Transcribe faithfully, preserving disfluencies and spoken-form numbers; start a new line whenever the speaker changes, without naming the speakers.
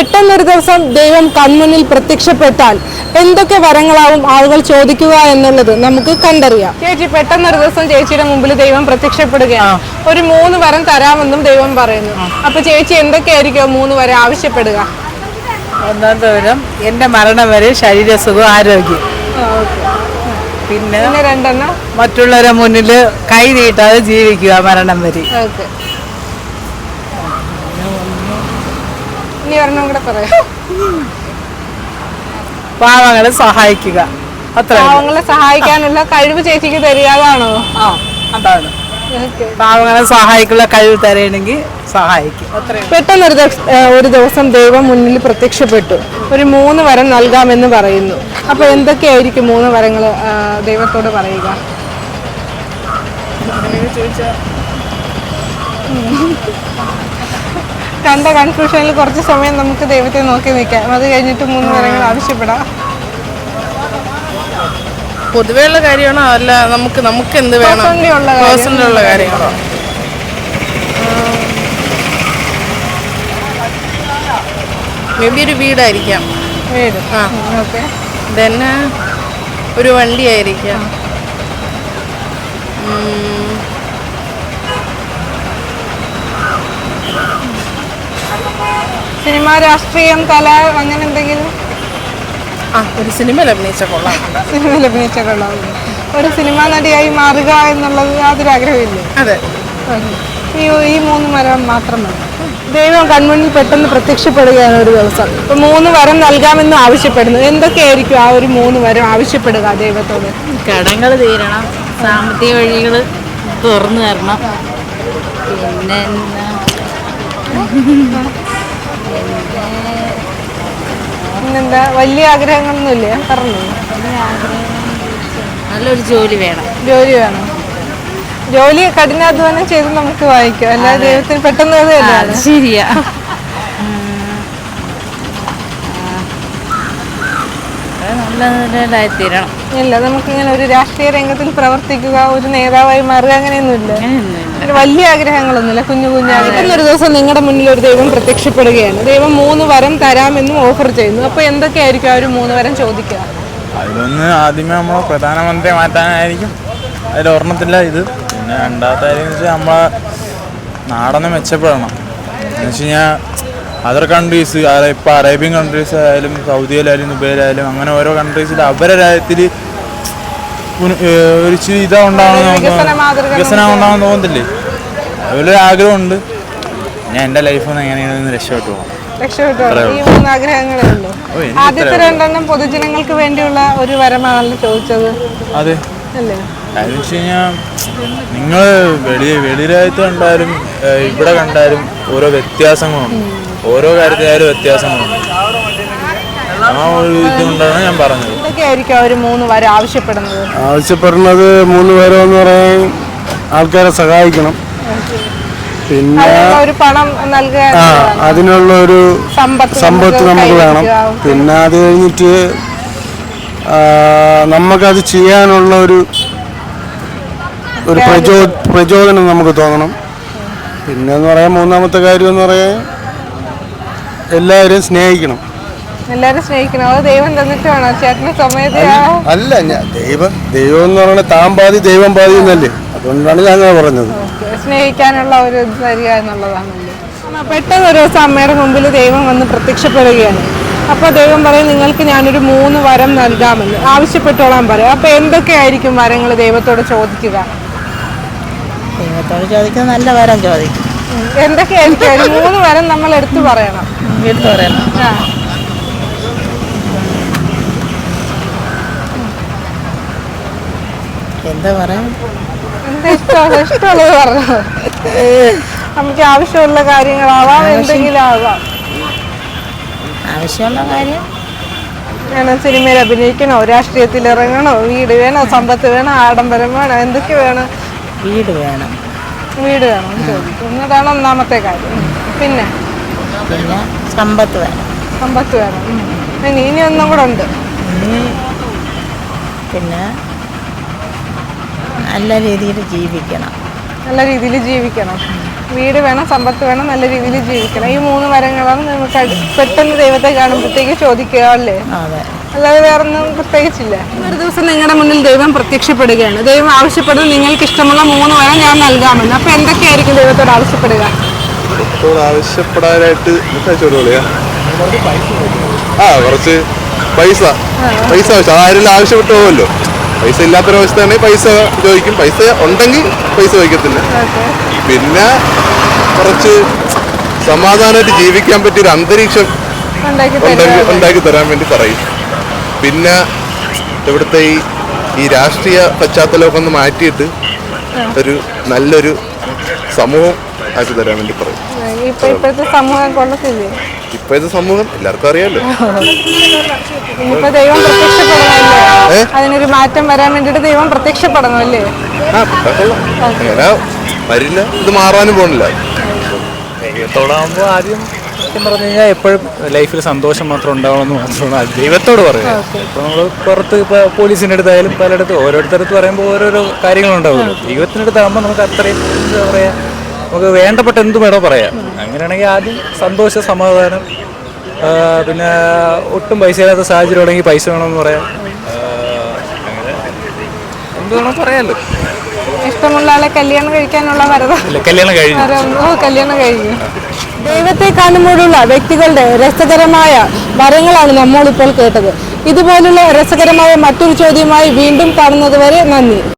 പെട്ടെന്നൊരു ദിവസം ദൈവം കൺമുന്നിൽ പ്രത്യക്ഷപ്പെട്ടാൽ എന്തൊക്കെ വരങ്ങളാവും ആളുകൾ ചോദിക്കുക എന്നുള്ളത് നമുക്ക് കണ്ടറിയാം. ചേച്ചി, പെട്ടെന്നൊരു ദിവസം ചേച്ചിയുടെ മുമ്പിൽ ദൈവം പ്രത്യക്ഷപ്പെടുകയാണ്. ഒരു മൂന്ന് വരം തരാമെന്നും ദൈവം പറയുന്നു. അപ്പൊ ചേച്ചി എന്തൊക്കെയായിരിക്കും മൂന്ന് വരം ആവശ്യപ്പെടുക?
ഒന്നാമത്തെ വരം എന്റെ മരണം വരെ ശരീരസുഖം, ആരോഗ്യം. പിന്നെ
രണ്ടെണ്ണം
മറ്റുള്ളവരെ മുന്നിൽ കൈ നീട്ടാതെ ജീവിക്കുക മരണം വരെ.
ഇനി ഒരെണ്ണം കൂടെ പറയാം.
പാവങ്ങളെ സഹായിക്കുക. അത്ര
പാവങ്ങളെ സഹായിക്കാനുള്ള കഴിവ് ചേച്ചിക്ക് തരികയാണോ?
ആ, അതാണ്. പാവങ്ങളെ സഹായിക്കുള്ള കഴിവ് തരണമെങ്കിൽ സഹായിക്കും.
പെട്ടെന്നൊരു ഒരു ദിവസം ദൈവം മുന്നിൽ പ്രത്യക്ഷപ്പെട്ടു. ഒരു മൂന്ന് വരം നൽകാമെന്ന് പറയുന്നു. അപ്പൊ എന്തൊക്കെയായിരിക്കും മൂന്ന് വരങ്ങൾ ദൈവത്തോട് പറയുക? കണ്ട കൺഫ്യൂഷനിൽ കുറച്ച് സമയം നമുക്ക് ദൈവത്തെ നോക്കി നിൽക്കാം. അത് കഴിഞ്ഞിട്ട് മൂന്ന് വരങ്ങൾ ആവശ്യപ്പെടാം.
പൊതുവെയുള്ള കാര്യമാണോ അല്ല നമുക്ക് നമുക്ക് എന്ത് വേണം? പേഴ്സണലുള്ള കാര്യങ്ങളോ? മേ ബി ഒരു വീടായിരിക്കാം.
വീട്.
ആ,
ഓക്കെ.
ദെൻ ഒരു വണ്ടി ആയിരിക്കാം.
സിനിമ, രാഷ്ട്രീയം, കല, അങ്ങനെ എന്തെങ്കിലും?
ആ, ഒരു സിനിമയിൽ അഭിനയിച്ച കൊള്ളാം.
സിനിമയിൽ അഭിനയിച്ച കൊള്ളാം. ഒരു സിനിമാ നടിയായി മാറുക എന്നുള്ളത് യാതൊരു ആഗ്രഹമില്ലേ?
അതെ.
ഈ ഈ മൂന്ന് വരം മാത്രം മതി. ദൈവം കൺമുന്നിൽ പെട്ടെന്ന് പ്രത്യക്ഷപ്പെടുകയാണ് ഒരു ദിവസം. ഇപ്പൊ മൂന്ന് വരം നൽകാമെന്ന് ആവശ്യപ്പെടുന്നു. എന്തൊക്കെയായിരിക്കും ആ ഒരു മൂന്ന് വരം ആവശ്യപ്പെടുക ദൈവത്തോട്?
കടങ്ങൾ തീരണം, സാമ്പത്തിക വഴികൾ തുറന്നു തരണം, പിന്നെ
പിന്നെന്താ, വലിയ ആഗ്രഹങ്ങളൊന്നുമില്ല? പറഞ്ഞു.
നല്ലൊരു ജോലി വേണം.
ജോലി വേണം. ജോലി കഠിനാധ്വാനം ചെയ്ത് നമുക്ക് വായിക്കാം. അല്ലാതെ ദൈവത്തിന് പെട്ടെന്ന് അത്
ശരിയാ. നല്ലതായി തീരണം.
ഇല്ല, നമുക്കിങ്ങനെ ഒരു രാഷ്ട്രീയ രംഗത്തിൽ പ്രവർത്തിക്കുക, ഒരു നേതാവായി മാറുക, അങ്ങനെയൊന്നുമില്ല. വലിയ ആഗ്രഹങ്ങളൊന്നുമില്ല, കുഞ്ഞു കുഞ്ഞു ആഗ്രഹം. ഒരു ദിവസം നിങ്ങളുടെ മുന്നിൽ ഒരു ദൈവം പ്രത്യക്ഷപ്പെടുകയാണ്. ദൈവം മൂന്ന് വരം തരാമെന്നും ഓഫർ ചെയ്യുന്നു. അപ്പൊ എന്തൊക്കെയായിരിക്കും ആ ഒരു മൂന്ന് വരം ചോദിക്കുക?
അതിലൊന്ന് ആദ്യമേ നമ്മളെ പ്രധാനമന്ത്രിയെ മാറ്റാനായിരിക്കും. അതിൽ ഓർമ്മത്തില്ല ഇത്. പിന്നെ രണ്ടാമത്തെ കാര്യം എന്ന് വെച്ചാൽ നമ്മളെ നാടൊന്ന് മെച്ചപ്പെടണം. എന്ന് വെച്ച് കഴിഞ്ഞാൽ അതർ കൺട്രീസ്, ഇപ്പോൾ അറേബ്യൻ കൺട്രീസ് ആയാലും സൗദിയിലായാലും ദുബൈയിലായാലും അങ്ങനെ ഓരോ കൺട്രീസിൽ അവരുടെ രാജ്യത്തിൽ ഒരു ഇതാ ഉണ്ടാവണം, വികസനം ഉണ്ടാവാൻ തോന്നത്തില്ലേ? അതുപോലെ ആഗ്രഹമുണ്ട്. ഞാൻ എൻ്റെ ലൈഫിൽ നിന്ന് എങ്ങനെയാണ് രക്ഷപ്പെട്ടു പോകണം.
ഈ മൂന്ന് ആഗ്രഹങ്ങളേ ഉള്ളൂ. ആദ്യത്തെ രണ്ടെണ്ണം പൊതുജനങ്ങൾക്ക് വേണ്ടിയുള്ള ഒരു വരമാണല്ലോ ചോദിച്ചത്.
അതെ.
അല്ലേ?
കാര്യം വെച്ച് കഴിഞ്ഞാൽ നിങ്ങൾ വെളി വെളിരാജ്യത്ത് കണ്ടാലും ഇവിടെ കണ്ടാലും ഓരോ വ്യത്യാസങ്ങളുണ്ട്. ഓരോ കാര്യത്തിലായാലും വ്യത്യാസങ്ങളുണ്ട്. ആ ഒരു ഇതുകൊണ്ടാണ് ഞാൻ പറഞ്ഞത്.
എന്തൊക്കെയായിരിക്കും അവർ മൂന്ന് വരം ആവശ്യപ്പെടുന്നത്?
ആവശ്യപ്പെടുന്നത് മൂന്ന് വരം എന്ന് പറയാൻ ആൾക്കാരെ സഹായിക്കണം, പിന്നെ
ഒരു പണം നൽകുക,
അതിനുള്ള ഒരു സമ്പത്ത് നമുക്ക് വേണം. പിന്നെ അത് കഴിഞ്ഞിട്ട് നമുക്കത് ചെയ്യാനുള്ള ഒരു ഒരു പ്രചോ പ്രചോദനം നമുക്ക് തോന്നണം. പിന്നെന്ന് പറയാൻ മൂന്നാമത്തെ കാര്യം എന്ന് പറയാൻ എല്ലാവരെയും സ്നേഹിക്കണം.
എല്ലാവരും സ്നേഹിക്കണം. അത് ദൈവം തന്നിട്ട് വേണം ചേട്ടന് സമയത്ത്.
അല്ല, ഞാൻ ദൈവം ദൈവം എന്ന് പറയുന്നത് താൻ പാതി ദൈവം പാതി എന്നല്ലേ, അതുകൊണ്ടാണ് ഞാൻ അങ്ങനെ പറഞ്ഞത്.
സ്നേഹിക്കാനുള്ള ഒരു ഇത് തരിക എന്നുള്ളതാണല്ലോ. പെട്ടെന്ന് ഒരു ദിവസം അമ്മയുടെ മുമ്പിൽ ദൈവം വന്ന് പ്രത്യക്ഷപ്പെടുകയാണ്. അപ്പോൾ ദൈവം പറയും, നിങ്ങൾക്ക് ഞാനൊരു മൂന്ന് വരം നൽകാമെന്ന് ആവശ്യപ്പെട്ടോളാൻ പറയും. അപ്പോൾ എന്തൊക്കെയായിരിക്കും വരങ്ങൾ ദൈവത്തോട് ചോദിക്കുക?
ദൈവത്തോട് ചോദിക്കുന്നത് നല്ല വരം ചോദിക്കും.
എന്തൊക്കെയായിരിക്കും ഒരു മൂന്ന് വരം നമ്മൾ എടുത്തു പറയണം?
എടുത്തു പറയണം.
ആ,
എന്താ പറയാ,
എന്താ ഇഷ്ടമുള്ള ഇഷ്ടമുള്ളത് പറഞ്ഞു. നമുക്ക് ആവശ്യമുള്ള കാര്യങ്ങളാവാം, എന്തെങ്കിലും ആവാം.
ആവശ്യമുള്ള കാര്യം
ഞാൻ സിനിമയിൽ അഭിനയിക്കണോ, രാഷ്ട്രീയത്തിൽ ഇറങ്ങണോ, വീട് വേണോ, സമ്പത്ത് വേണോ, ആഡംബരം വേണോ, എന്തൊക്കെ വേണം?
വീട് വേണം.
വീട് വേണം ചോദിക്കും. എന്നതാണ് ഒന്നാമത്തെ കാര്യം. പിന്നെ
പിന്നെ സമ്പത്ത് വേണം.
സമ്പത്ത് വേണം. ഇനി ഇനി ഒന്നും കൂടെ ഉണ്ട്.
പിന്നെ നല്ല രീതിയിൽ ജീവിക്കണം.
നല്ല രീതിയിൽ ജീവിക്കണം. വീട് വേണം, സമ്പത്ത് വേണം, നല്ല രീതിയിൽ ജീവിക്കണം. ഈ മൂന്ന് വരങ്ങളാണ് നമുക്ക് അടി- പെട്ടെന്ന് ദൈവത്തെ കാണുമ്പോഴത്തേക്ക് ചോദിക്കുക അല്ലേ?
അതെ.
അല്ലാതെ വേറൊന്നും പ്രത്യേകിച്ചില്ല. ഒരു ദിവസം നിങ്ങളുടെ മുന്നിൽ ദൈവം പ്രത്യക്ഷപ്പെടുകയാണ്. ദൈവം ആവശ്യപ്പെടുന്നത് നിങ്ങൾക്ക് ഇഷ്ടമുള്ള മൂന്ന് വരം ഞാൻ നൽകാമെന്ന്. അപ്പൊ എന്തൊക്കെയായിരിക്കും ദൈവത്തോട് ആവശ്യപ്പെടുക?
ഇപ്പോൾ ആവശ്യപ്പെടാനായിട്ട് ചോദിക്കുക ആ കുറച്ച് പൈസ പൈസ ആവശ്യം അതാരും ആവശ്യപ്പെട്ടു പോകുമല്ലോ. പൈസ ഇല്ലാത്തൊരവസ്ഥയാണെങ്കിൽ പൈസ ചോദിക്കും. പൈസ ഉണ്ടെങ്കിൽ പൈസ ചോദിക്കത്തില്ല. പിന്നെ കുറച്ച് സമാധാനമായിട്ട് ജീവിക്കാൻ പറ്റിയൊരു അന്തരീക്ഷം
ഉണ്ടാക്കി
ഉണ്ടാക്കി
തരുക.
ഉണ്ടാക്കി തരാൻ വേണ്ടി പറയും. പിന്നെ ഇവിടുത്തെ ഈ ഈ രാഷ്ട്രീയ പശ്ചാത്തലമൊക്കെ ഒന്ന് മാറ്റിയിട്ട് ഒരു നല്ലൊരു സമൂഹം ആക്കി തരാൻ വേണ്ടി പറയും.
ഇപ്പൊ ഇപ്പോഴത്തെ സമൂഹം കൊള്ളത്തില്ലേ?
ഇപ്പോഴത്തെ സമൂഹം എല്ലാവർക്കും അറിയാലോ.
ഇനിയിപ്പോ ദൈവം പ്രത്യക്ഷപ്പെടണമല്ലേ?
ഏ?
അതിനൊരു മാറ്റം വരാൻ വേണ്ടിട്ട് ദൈവം പ്രത്യക്ഷപ്പെടണമല്ലേ?
ആ കൊള്ളാം. അങ്ങനെ വരില്ല, ഇത് മാറാനും പോണില്ല.
ദൈവത്തോടാകുമ്പോൾ ആദ്യം സത്യം പറഞ്ഞു കഴിഞ്ഞാൽ എപ്പോഴും ലൈഫിൽ സന്തോഷം മാത്രം ഉണ്ടാവണമെന്ന് മാത്രമാണ് അത് ദൈവത്തോട് പറയുക. ഇപ്പോൾ നമ്മൾ പുറത്ത് ഇപ്പോൾ പോലീസിൻ്റെ അടുത്തായാലും പലയിടത്തും ഓരോരുത്തരത്ത് പറയുമ്പോൾ ഓരോരോ കാര്യങ്ങളുണ്ടാവുമല്ലോ. ദൈവത്തിൻ്റെ അടുത്താകുമ്പോൾ നമുക്ക് അത്രയും എന്താ പറയുക, നമുക്ക് വേണ്ടപ്പെട്ട എന്ത് വേണോ പറയാം. അങ്ങനെയാണെങ്കിൽ ആദ്യം സന്തോഷം, സമാധാനം, ആ, പിന്നെ ഒട്ടും പൈസ ഇല്ലാത്ത സാഹചര്യം ഉണ്ടെങ്കിൽ പൈസ വേണമെന്ന് പറയാം. ആ, അങ്ങനെ എന്ത് വേണോ പറയാമല്ലോ.
ഇഷ്ടമുള്ള ആളെ കല്യാണം കഴിക്കാനുള്ള വരത
ഇല്ല, കല്യാണം കഴിഞ്ഞു.
വരം- ഓ കല്യാണം കഴിഞ്ഞു. ദൈവത്തെ കാണുമ്പോഴുള്ള വ്യക്തികളുടെ രസകരമായ വരങ്ങളാണ് നമ്മളിപ്പോൾ കേട്ടത്. ഇതുപോലുള്ള രസകരമായ മറ്റൊരു ചോദ്യമായി വീണ്ടും കാണുന്നത് വരെ നന്ദി.